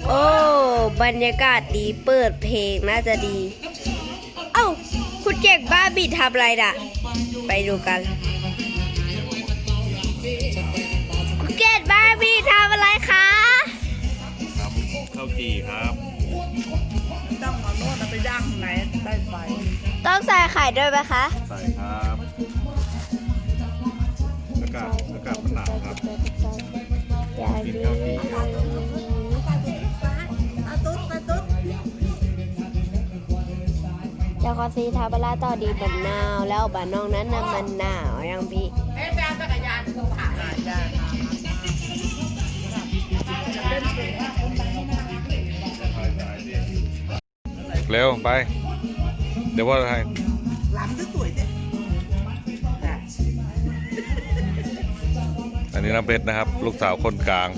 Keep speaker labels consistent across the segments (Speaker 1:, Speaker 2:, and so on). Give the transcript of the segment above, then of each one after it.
Speaker 1: โอ้บรรยากาศดีเปิดเพลงน่าจะดี เอ้าคุณเก่งบ้าบิดทำอะไรน่ะ ไปดูกันคุณเก่งบ้าบิดทำอะไรคะ
Speaker 2: ทำข้าวจี่ครับ
Speaker 3: ต้องเอาโน่นเอาไปย่างไหนใต้ไฟ
Speaker 1: ต้องใส่ไข่ด้วยไหมคะ
Speaker 2: ใส่ครับอากาศมันหนาวครับกินข้าวจี่
Speaker 1: เจ้าคอซีทาบาราต่อดีบันนาวแล้วบ้านน้องนั้นน่ะมันหนาวยังพี่
Speaker 2: เร็วไป เดี๋ยวว่าให้
Speaker 3: หลังจะสวยเด้
Speaker 2: อันนี้น้ำเพชรนะครับ ลูกสาวคนกลาง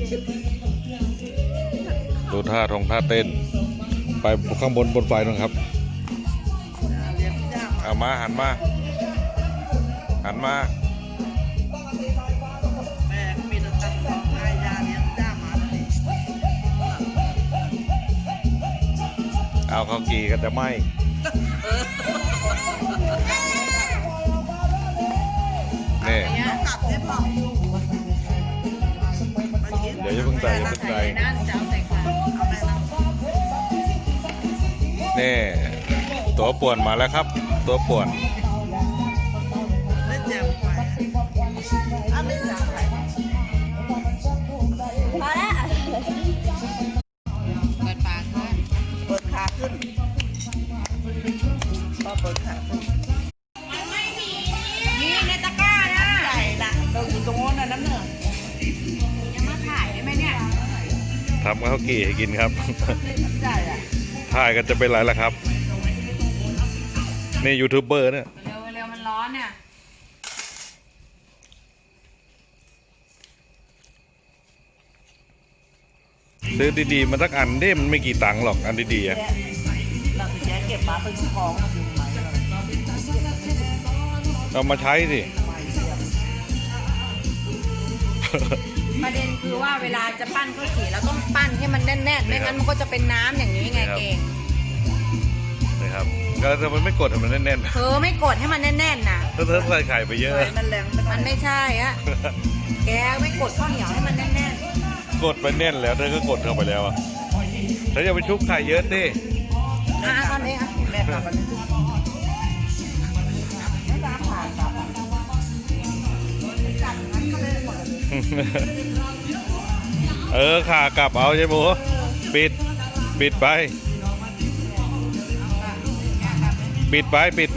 Speaker 2: ดูท่าเต้น ไปข้างบนไฟนะครับ
Speaker 3: เลี้ยงย่าง
Speaker 2: เอามาหันมา
Speaker 3: แม่ก็มีแต่ตั้งท้องให้ยาเลี้ยงย่างมาเลย
Speaker 2: เอาข้าวจี่ก็จะไหมนี่
Speaker 3: กลับได้ป่ะ
Speaker 2: เดี๋ยวจะเพิ่งใส่อย่าเพิ่งใส่
Speaker 3: นั่นจะเอาใส่ขาเอาไปนั่ง
Speaker 2: นี่ตัวป่วนมาแล้วครับ ตัวป่วน
Speaker 3: เล่นแจมไปอ่ะไม่จ่าไป
Speaker 1: พอแล้ว
Speaker 3: เปิดปากขึ้นเปิดขาขึ้นพอเปิดขาขึ้นนี่ในตะกร้านะใส่ละเราอยู่ตรงโน้นน่ะน้ำเหนือยังมาถ่ายได้ไหมเนี่ย
Speaker 2: ทำข้าวจี่ให้กินครับ
Speaker 3: ใช่อ่ะ
Speaker 2: ถ่ายกันจะเป็นไรล่ะครับ นี่ยูทูบเบอร์เนี่ย
Speaker 3: เร็วมันร้อนเนี่ย
Speaker 2: ซื้อดีๆมาสักอันดิมันไม่กี่ตังค์หรอกอันดีๆอะ
Speaker 3: เราถึงจะเก็บมาเป็นของอยู่ไหม
Speaker 2: เอามาใช้สิ
Speaker 4: ประเด็นคือว่าเวลาจะปั้นข้าวจี่เราต้องปั้นให้มันแน่นๆไม่งั้นมันก็จะเป็นน้ำอย่างนี้ไงเก่ง
Speaker 2: นะครับก็แต่มันไม่กดให้มันแน่น
Speaker 4: เธอไม่กดให้มันแน่นๆนะ
Speaker 2: ๆถ้าเธอใส่ไข่ไปเยอะ
Speaker 3: มันแรง
Speaker 4: มันไม่ใช่อะแกไม่กดข้าวเหนียวให้มันแน่น
Speaker 2: กดไปแน่นแล้วเธอก็กดเข้าไปแล้วอะเธออย่าไปชุบไข่เยอะดิ
Speaker 4: ๆตอนนี้อ่ะ
Speaker 3: แม่กลับมาเลยไม่ตามผ่านกลับจับงั้นก็เลยหมด
Speaker 2: ขากลับเอาใช่ไหมปิดไปปิดไป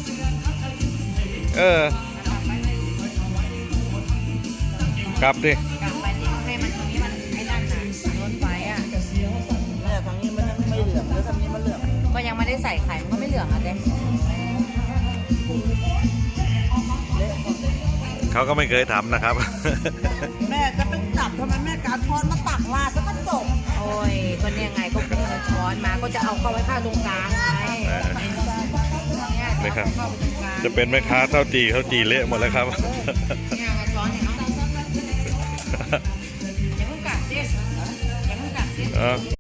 Speaker 2: กลับดิ
Speaker 4: กลับไปที่ให้มันตรงนี้มันไอ้นั่นน่ะล้นไฟอ่ะ
Speaker 3: แม่ทางนี้มันยังไม่เหลืองแล้วทางนี้มันเหลือง
Speaker 4: ก็ยังไม่ได้ใส่ไข่มันก็ไม่เหลืองอ่ะเด็
Speaker 2: เขาก็ไม่เคยทำนะครับ
Speaker 3: แม่จะไปจับทำไมแม่การทอดมาตักลาดแล้วก็จบ
Speaker 4: โอ้ยก็เนี่ยไงก็พุ่งเอาช้อนมาก็จะเอาเข้าไว้ข้างตรงกลางไงเนี่ย
Speaker 2: นี่ครับ
Speaker 4: เข้าไปตรงกลาง
Speaker 2: จะเป็นแม่ค้าข้าวจี่เละหมดแล้วครับ
Speaker 4: เนี่ยเอาช้อนเนี่ยเนาะอย่าเพิ่งกัดดิอย่าเพิ่งกัดดิ